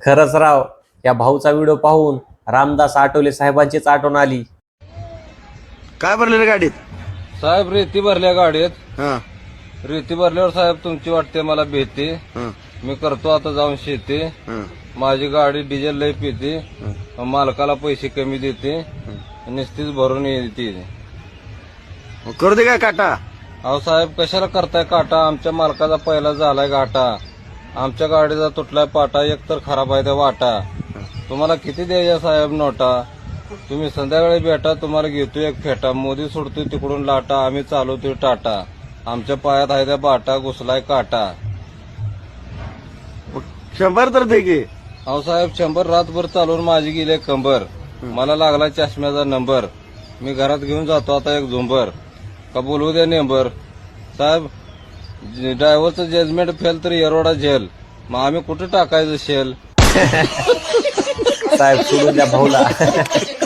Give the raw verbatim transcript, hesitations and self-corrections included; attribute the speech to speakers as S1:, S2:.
S1: खरंच राव, या भाऊचा व्हिडिओ पाहून रामदास आठवले साहेबांचीच आठवण आली.
S2: काय भरलेलं गाडीत?
S3: साहेब रेती भरल्या गाडीत.
S2: हा
S3: रेती भरल्यावर साहेब तुमची वाटते मला भीती.
S2: हा
S3: मी करतो आता जाऊन शेती.
S2: हा
S3: माझी गाडी डिझेल लय पिते. मालकाला पैसे कमी देते. निस्तीच भरून येते.
S2: मग करू दे काय काटा?
S3: अहो साहेब कशाला करताय काटा? आमच्या मालकाचा पहिला झालाय घाटा. आमच्या गाडीचा तुटलाय पाटा. एक तर खराब आहे त्या वाटा. तुम्हाला किती द्यायच्या साहेब नोटा? तुम्ही संध्याकाळी भेटा, तुम्हाला घेतो एक फेटा. मोदी सोडतोय तिकडून लाटा, आम्ही चालवतोय टाटा. आमच्या पायात आहे त्या बाटा, घुसलाय काटा.
S2: मग शंभर तर दे की.
S3: अहो साहेब शंभर रातभर चालवून माझी गेले कंबर. मला लागला चष्म्याचा नंबर. मी घरात घेऊन जातो आता एक झुंबर. का बोलवू द्या नेंबर साहेब. ड्रायव्हरचं जजमेंट फेल तर येरोडा झेल. मग आम्ही कुठे टाकायचं शेल?
S1: साहेब सोडून द्या भाऊला.